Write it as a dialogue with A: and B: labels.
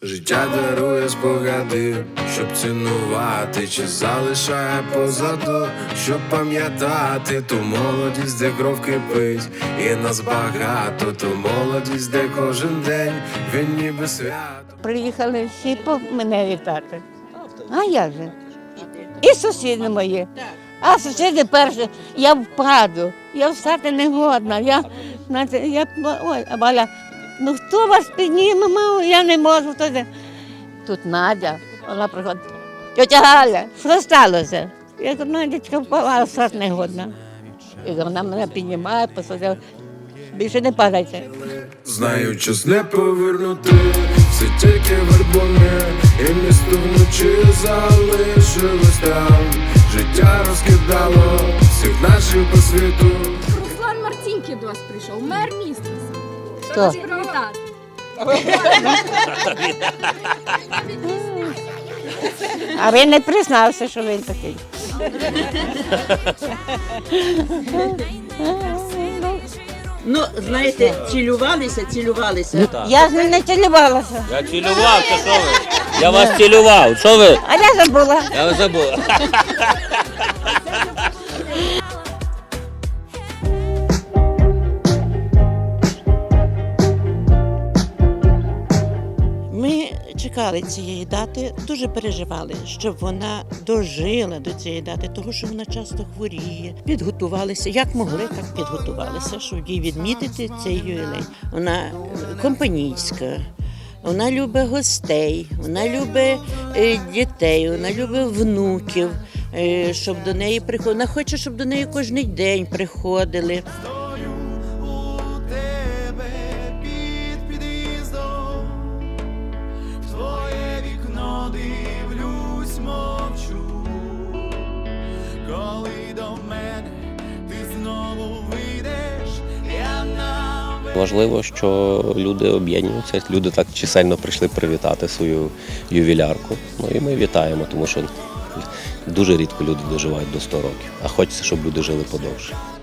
A: Життя дарує спогади, щоб цінувати, чи залишає позаду, щоб пам'ятати ту молодість, де кров кипить, і нас багато, ту молодість, де кожен день він ніби свято.
B: Приїхали всі мене вітати. А як же? І сусіди мої. А сусіди перші, я впаду, я встати не годна. Ой, а Валя, ну хто вас підніме, мама, я не можу. Тут Надя, вона приходить, тетя Галя, що сталося? Я кажу, Надячка впала, а встати не годна. І вона мене піднімає, посадила, більше не падайте.
A: Знаю, час не повернути, все тільки вербуни, і місто вночі залишилось там. Життя розкидало всіх наших по світу.
C: Руслан Марцінків до вас прийшов, мер міста.
B: Хто?
C: Вас привітати.
B: А він не признався, що він такий.
D: Ну, знаєте, цілювалися.
B: Я з ним не цілувалася.
E: Я цілював, то що ви? Я вас цілював, що ви?
B: А я забула.
E: Я вас забув.
D: Ми чекали цієї дати, дуже переживали, щоб вона дожила до цієї дати, тому що вона часто хворіє. Підготувалися, як могли, так підготувалися, щоб їй відмітити цей ювілей. Вона компанійська, вона любить гостей, вона любить дітей, вона любить внуків, щоб до неї приходили. Вона хоче, щоб до неї кожен день приходили.
E: Важливо, що люди об'єднуються, люди так чисельно прийшли привітати свою ювілярку. Ну і ми вітаємо, тому що дуже рідко люди доживають до 100 років, а хочеться, щоб люди жили подовше.